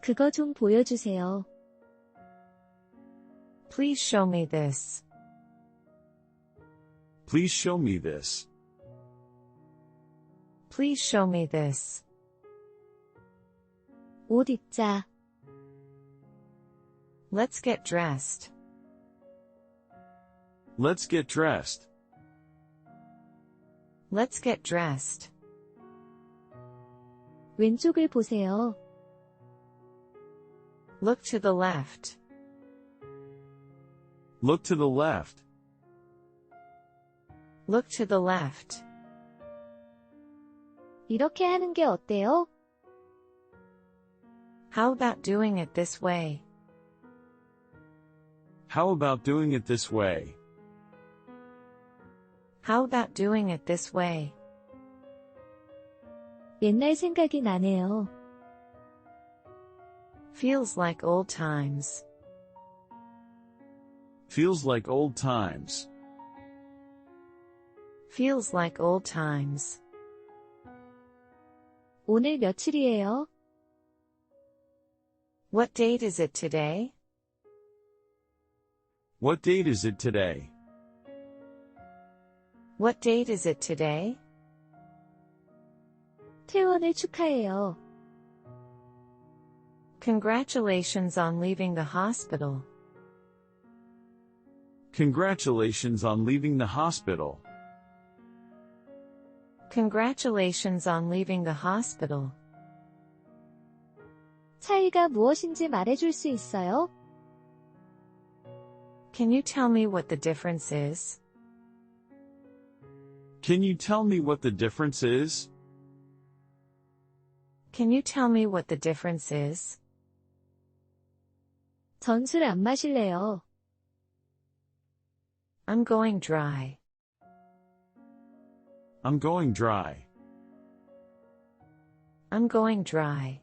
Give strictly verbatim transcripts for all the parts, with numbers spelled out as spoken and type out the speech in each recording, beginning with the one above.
그거 좀 보여주세요. Please show me this. Please show me this. Please show me this. 옷 입자. Let's get dressed. Let's get dressed. Let's get dressed. 왼쪽을 보세요. Look to the left. Look to the left. Look to the left. 이렇게 하는 게 어때요? How about doing it this way? How about doing it this way? How about doing it this way? 옛날 생각이 나네요. Feels like old times. Feels like old times. Feels like old times. 오늘 며칠이에요? What date is it today? What date is it today? What date is it today? 퇴원을 축하해요. Congratulations on leaving the hospital. Congratulations on leaving the hospital. Congratulations on leaving the hospital. 차이가 무엇인지 말해줄 수 있어요? Can you tell me what the difference is? Can you tell me what the difference is? Can you tell me what the difference is? 전 술 안 마실래요. I'm going dry. I'm going dry. I'm going dry.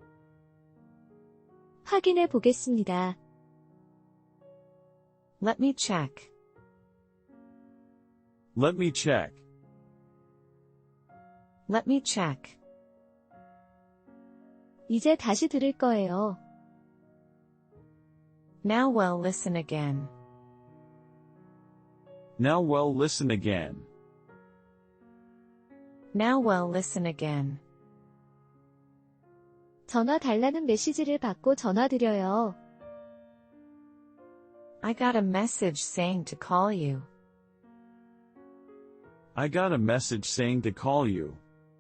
확인해 보겠습니다. Let me check. Let me check. Let me check. 이제 다시 들을 거예요. Now well listen again. Now well listen again. Now well listen again. 전화 달라는 메시지를 받고 전화드려요. I got a message saying to call you. I got a message saying to call you.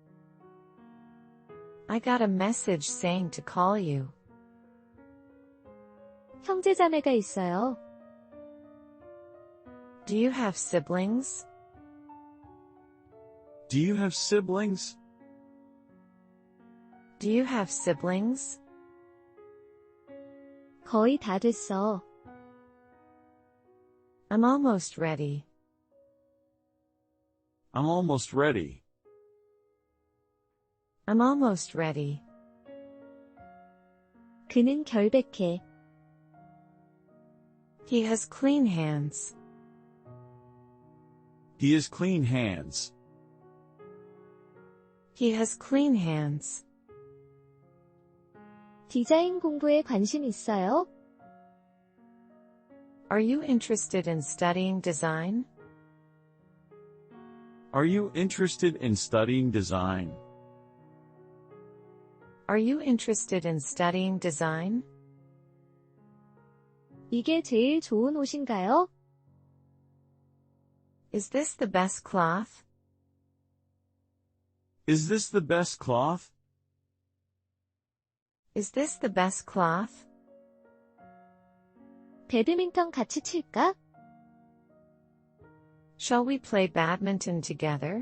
I got a message saying to call you. 형제자매가 있어요. Do you have siblings? Do you have siblings? Do you have siblings? 거의 다 됐어. I'm almost ready. I'm almost ready. I'm almost ready. 그는 결백해. He has clean hands. He has clean hands. He has clean hands. 디자인 공부에 관심 있어요? Are you interested in studying design? Are you interested in studying design? Are you interested in studying design? 이게 제일 좋은 옷인가요? Is this the best cloth? Is this the best cloth? Is this the best cloth? 배드민턴 같이 칠까? Shall we play badminton together?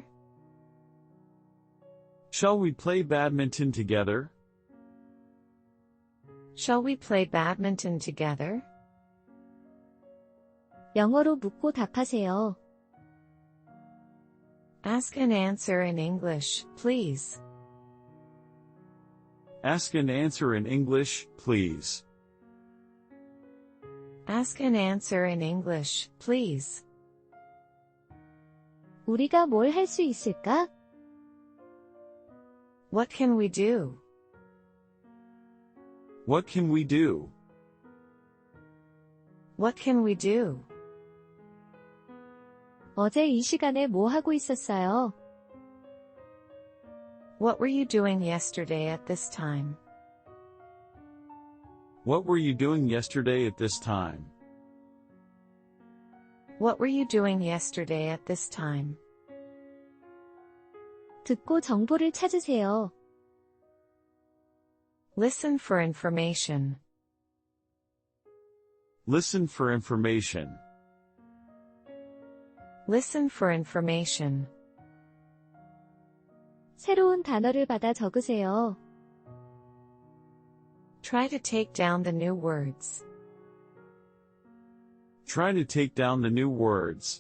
Shall we play badminton together? Shall we play badminton together? 영어로 묻고 답하세요. Ask and answer in English, please. Ask and answer in English, please. Ask and answer in English, please. 우리가 뭘 할 수 있을까? What can we do? What can we do? What can we do? 어제 이 시간에 뭐 하고 있었어요? What were you doing yesterday at this time? What were you doing yesterday at this time? What were you doing yesterday at this time? 듣고 정보를 찾으세요. Listen for information. Listen for information. Listen for information. 새로운 단어를 받아 적으세요. Try to take down the new words. Try to take down the new words.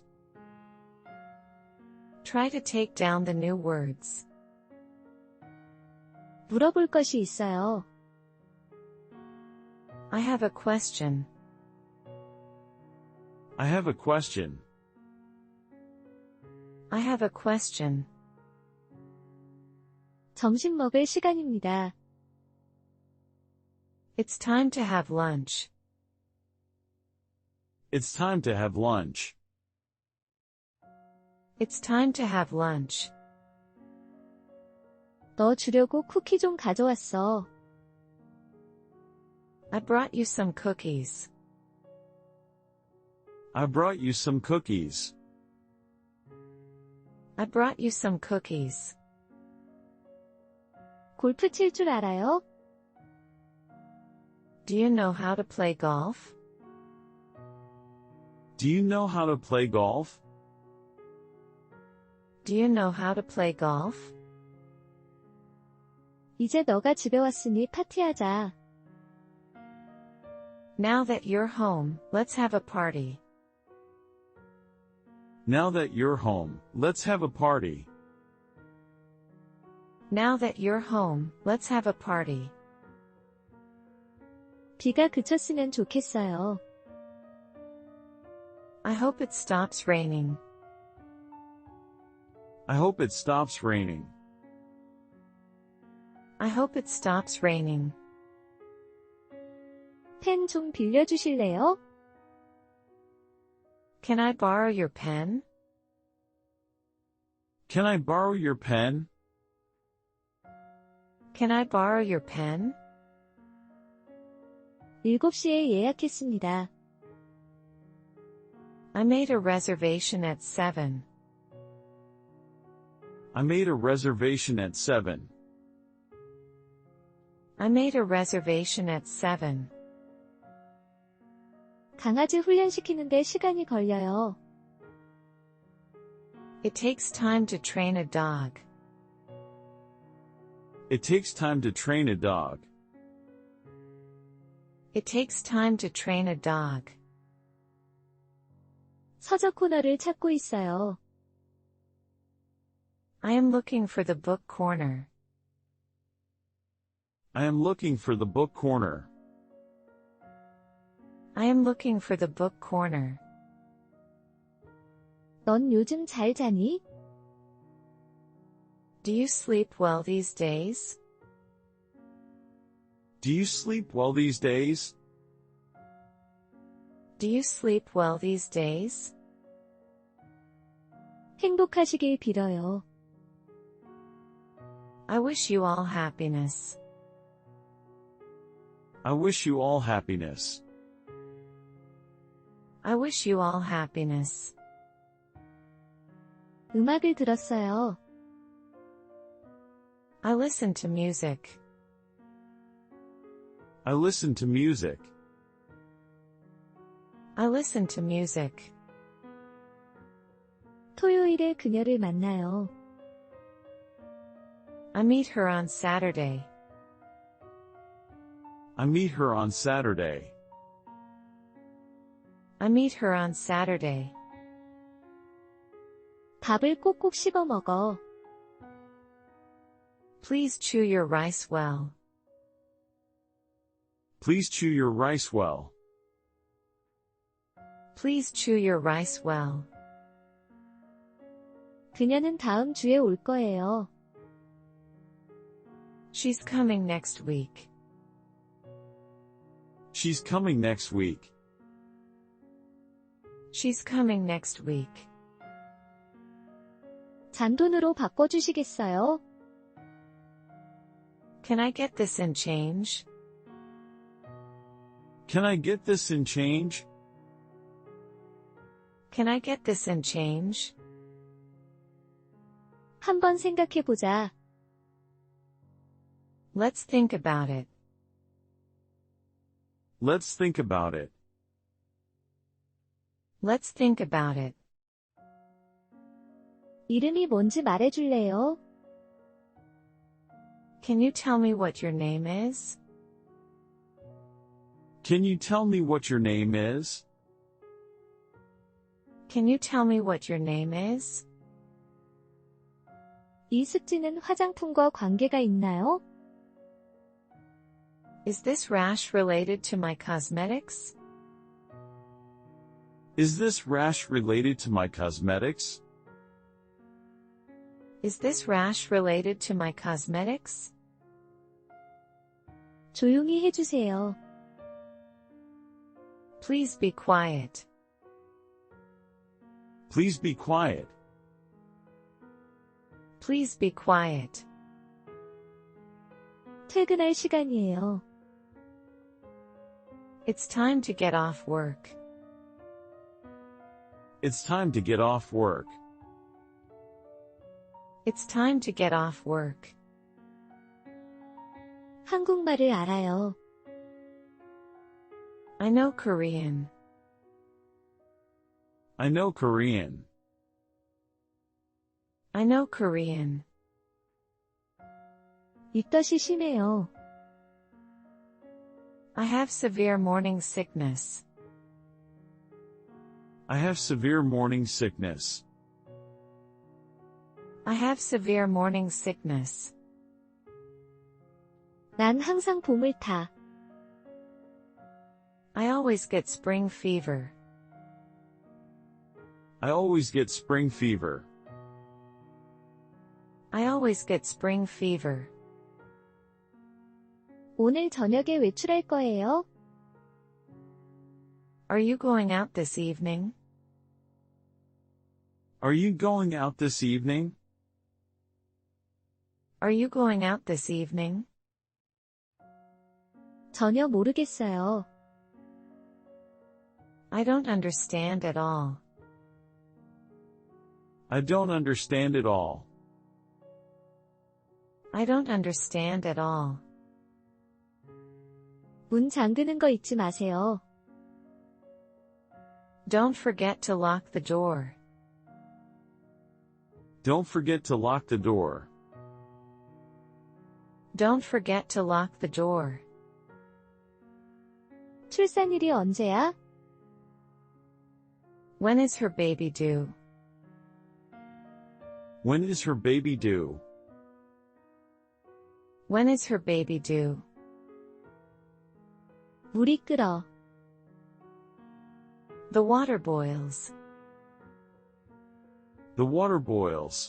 Try to take down the new words. 물어볼 것이 있어요. I have a question. I have a question. I have a question. 점심 먹을 시간입니다. It's time to have lunch. It's time to have lunch. It's time to have lunch. 너 주려고 쿠키 좀 가져왔어. I brought you some cookies. I brought you some cookies. I brought you some cookies. 골프 칠 줄 알아요? Do you know how to play golf? Do you know how to play golf? Do you know how to play golf? 이제 너가 집에 왔으니 파티하자. Now that you're home, let's have a party. Now that you're home, let's have a party. Now that you're home, let's have a party. 비가 그쳤으면 좋겠어요. I hope it stops raining. I hope it stops raining. I hope it stops raining. 펜 좀 빌려주실래요? Can I borrow your pen? Can I borrow your pen? Can I borrow your pen? 일곱 시에 예약했습니다. I made a reservation at seven. I made a reservation at seven. I made a reservation at seven. 강아지 훈련시키는데 시간이 걸려요. It takes time to train a dog. It takes time to train a dog. It takes time to train a dog. 서적 코너를 찾고 있어요. I am looking for the book corner. I am looking for the book corner. I am looking for the book corner. 넌 요즘 잘 자니? Do you sleep well these days? Do you sleep well these days? Do you sleep well these days? 행복하시길 빌어요. I wish you all happiness. I wish you all happiness. I wish you all happiness. 음악을 들었어요. I listen to music. I listen to music. I listen to music. 토요일에 그녀를 만나요. I meet her on Saturday. I meet her on Saturday. I meet her on Saturday. 밥을 꼭꼭 씹어 먹어. Please chew your rice well. Please chew your rice well. Please chew your rice well. 그녀는 다음 주에 올 거예요. She's coming next week. She's coming next week. She's coming next week. 잔돈으로 바꿔주시겠어요? Can I get this in change? Can I get this in change? Can I get this in change? 한번 생각해보자. Let's think about it. Let's think about it. Let's think about it. 이름이 뭔지 말해줄래요? Can you tell me what your name is? Can you tell me what your name is? Can you tell me what your name is? 이 습지는 화장품과 관계가 있나요? Is this rash related to my cosmetics? Is this rash related to my cosmetics? Is this rash related to my cosmetics? 조용히 해주세요. Please be quiet. Please be quiet. Please be quiet. 퇴근할 시간이에요. It's time to get off work. It's time to get off work. It's time to get off work. 한국말을 알아요. I know Korean. I know Korean. I know Korean. 입덧이 심해요. I have severe morning sickness. I have severe morning sickness. I have severe morning sickness. 난 항상 봄을 타. I always get spring fever. I always get spring fever. I always get spring fever. 오늘 저녁에 외출할 거예요? Are you going out this evening? Are you going out this evening? Are you going out this evening? 전혀 모르겠어요. I don't understand at all. I don't understand it all. I don't understand at all. 문 잠그는 거 잊지 마세요. Don't forget to lock the door. Don't forget to lock the door. Don't forget to lock the door. 출산일이 언제야? When is her baby due? When is her baby due? When is her baby due? 물이 끓어. The water boils. The water boils.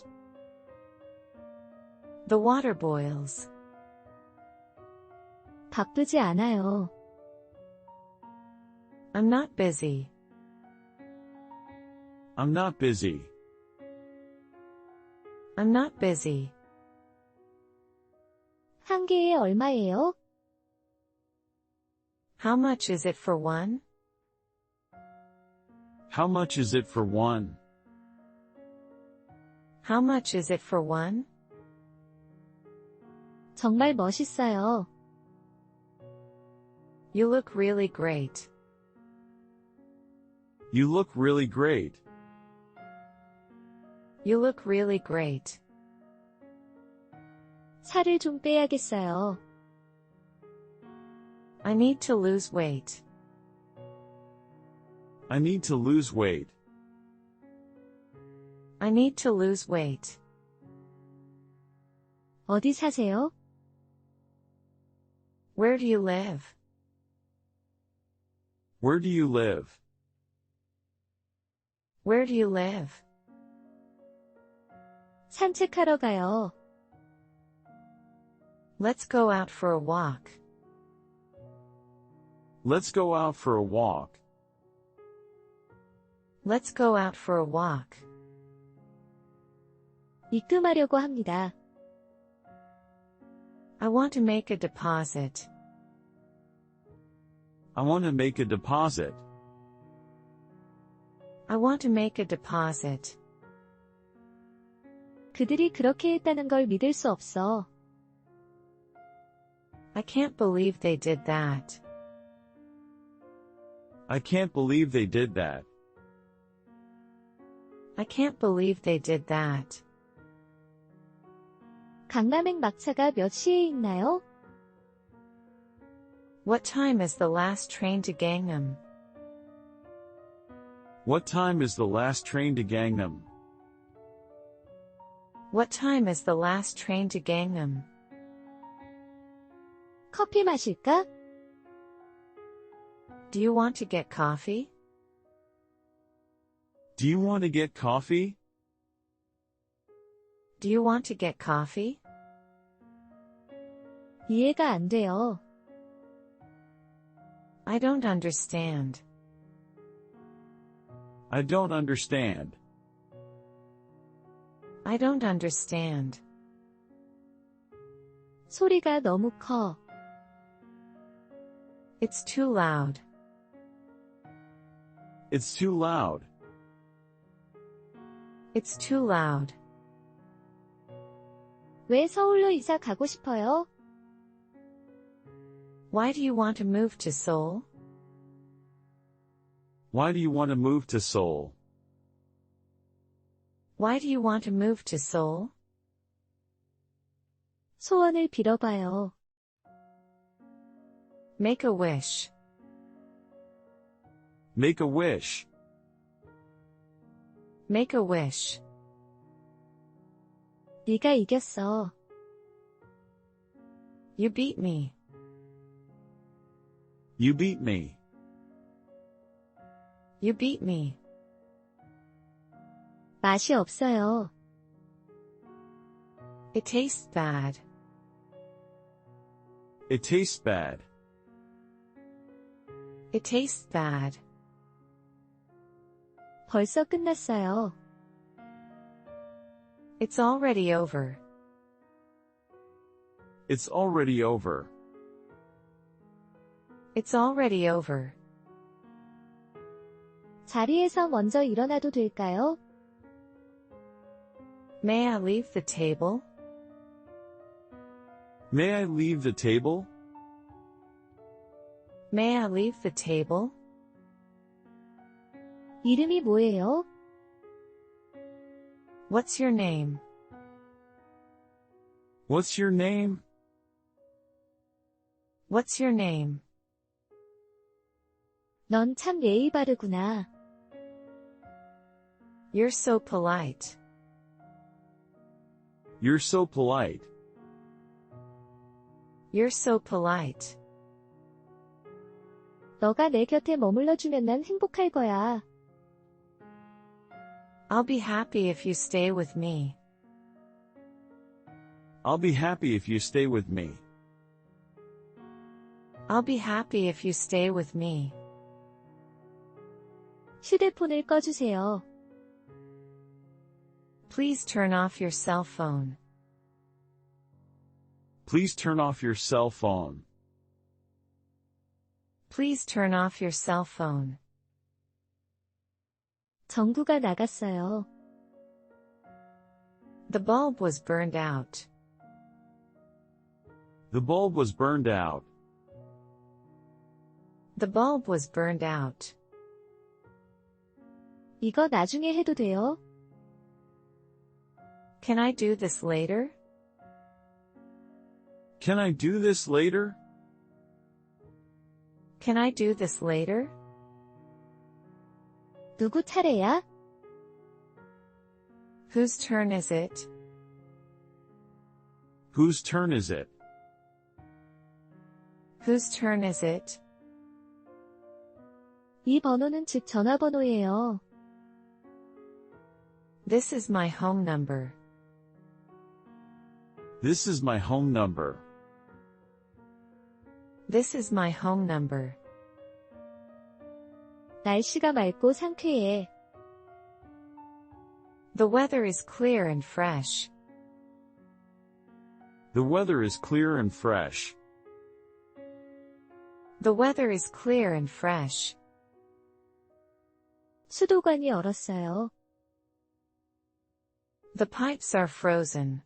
The water boils. 바쁘지 않아요. I'm not busy. I'm not busy. I'm not busy. 한 개에 얼마예요? How much is it for one? How much is it for one? How much is it for one? 정말 멋있어요. You look really great. You look really great. You look really great. 살을 좀 빼야겠어요. I need to lose weight. I need to lose weight. I need to lose weight. 어디 사세요? Where do you live? Where do you live? Where do you live? 산책하러 가요. Let's go out for a walk. Let's go out for a walk. Let's go out for a walk. 입금하려고 합니다. I want to make a deposit. I want to make a deposit. I want to make a deposit. 그들이 그렇게 했다는 걸 믿을 수 없어. I can't believe they did that. I can't believe they did that. I can't believe they did that. 강남행 막차가 몇 시에 있나요? What time is the last train to Gangnam? What time is the last train to Gangnam? What time is the last train to Gangnam? 커피 마실까? Do you want to get coffee? Do you want to get coffee? Do you want to get coffee? 이해가 안 돼요. I don't understand. I don't understand. I don't understand. 소리가 너무 커. It's too loud. It's too loud. It's too loud. 왜 서울로 이사 가고 싶어요? Why do you want to move to Seoul? Why do you want to move to Seoul? Why do you want to move to Seoul? 소원을 빌어봐요. Make a wish. Make a wish. Make a wish. 네가 이겼어. You beat me. You beat me. You beat me. 맛이 없어요. It tastes bad. It tastes bad. It tastes bad. 벌써 끝났어요. It's already over. It's already over. It's already over. 자리에서 먼저 일어나도 될까요? May I leave the table? May I leave the table? May I leave the table? 이름이 뭐예요? What's your name? What's your name? What's your name? 넌 참 예의 바르구나. You're so polite. You're so polite. You're so polite. 너가 내 곁에 머물러주면 난 행복할 거야. I'll be happy if you stay with me. I'll be happy if you stay with me. I'll be happy if you stay with me. 휴대폰을 꺼주세요. Please turn off your cell phone. Please turn off your cell phone. Please turn off your cell phone. 전구가 나갔어요. The bulb was burned out. The bulb was burned out. The bulb was burned out. 이거 나중에 해도 돼요? Can I do this later? Can I do this later? Can I do this later? 누구 차례야? Whose turn is it? Whose turn is it? Whose turn is it? 이 번호는 집 전화번호예요. This is my home number. This is my home number. This is my home number. 날씨가 맑고 상쾌해. The weather is clear and fresh. The weather is clear and fresh. The weather is clear and fresh. 수도관이 얼었어요. The pipes are frozen.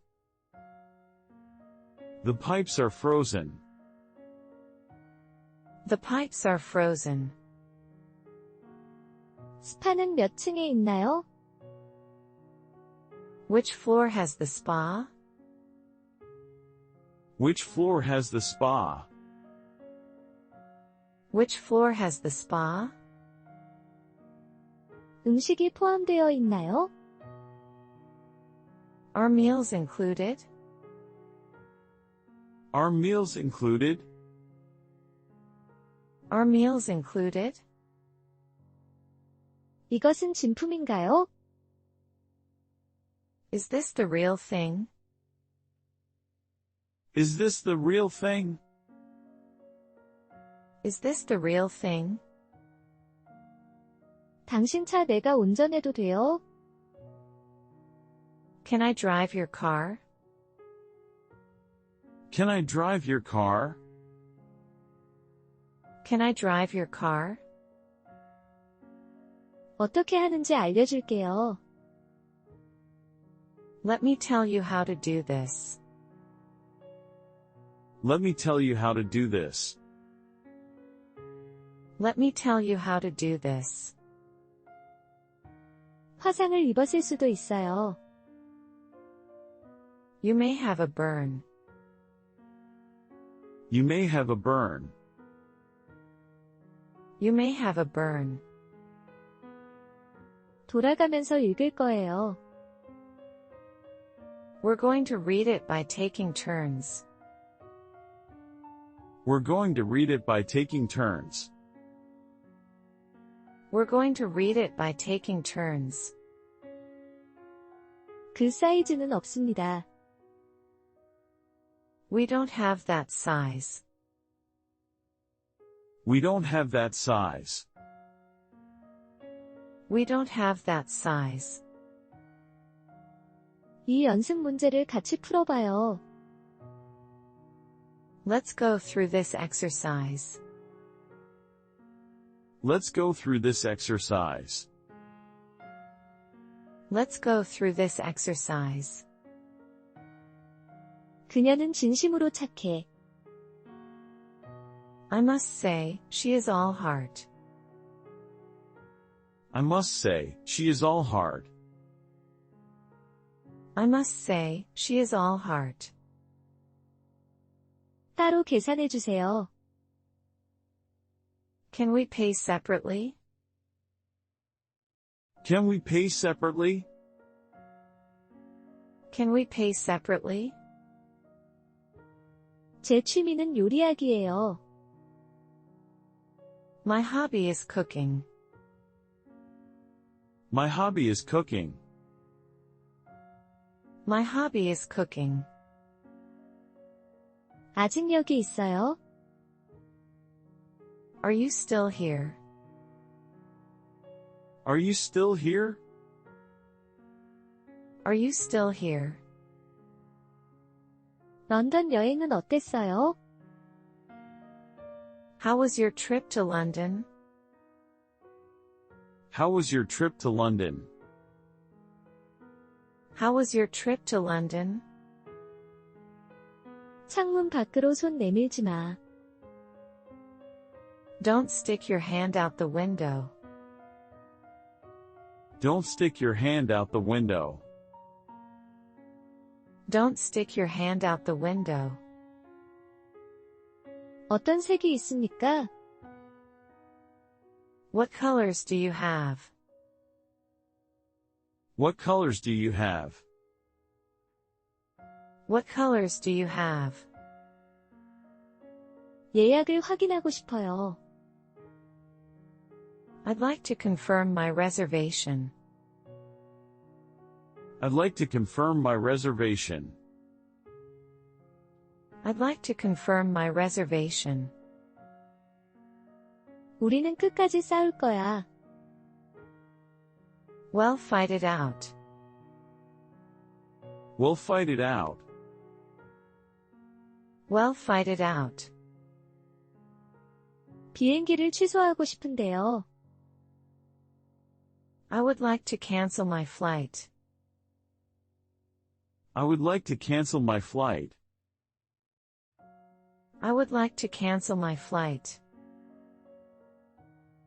The pipes are frozen. The pipes are frozen. 스파는 몇 층에 있나요? Which floor has the spa? Which floor has the spa? Which floor has the spa? 음식이 포함되어 있나요? Are meals included? Are meals included? Are meals included? 이것은 진품인가요? Is this the real thing? Is this the real thing? Is this the real thing? 당신 차 내가 운전해도 돼요? Can I drive your car? Can I drive your car? Can I drive your car? 어떻게 하는지 알려줄게요. Let me tell you how to do this. Let me tell you how to do this. Let me tell you how to do this. 화상을 입었을 수도 있어요. You may have a burn. You may have a burn. You may have a burn. 돌아가면서 읽을 거예요. We're going to read it by taking turns. We're going to read it by taking turns. We're going to read it by taking turns. 그 사이즈는 없습니다. We don't have that size. We don't have that size. We don't have that size. 이 연습 문제를 같이 풀어봐요. Let's go through this exercise. Let's go through this exercise. Let's go through this exercise. 그녀는 진심으로 착해. I must say, she is all heart. I must say, she is all heart. I must say, she is all heart. 따로 계산해 주세요. Can we pay separately? Can we pay separately? Can we pay separately? 제 취미는 요리하기예요. My hobby is cooking. My hobby is cooking. My hobby is cooking. 아직 여기 있어요? Are you still here? Are you still here? Are you still here? 런던 여행은 어땠어요? How was your trip to London? How was your trip to London? How was your trip to London? 창문 밖으로 손 내밀지 마. Don't stick your hand out the window. Don't stick your hand out the window. Don't stick your hand out the window. 어떤 색이 있습니까? What colors do you have? What colors do you have? What colors do you have? 예약을 확인하고 싶어요. I'd like to confirm my reservation. I'd like to confirm my reservation. I'd like to confirm my reservation. 우리는 끝까지 싸울 거야. Well, fight it out. We'll fight it out. Well, fight it out. 비행기를 취소하고 싶은데요. I would like to cancel my flight. I would like to cancel my flight. I would like to cancel my flight.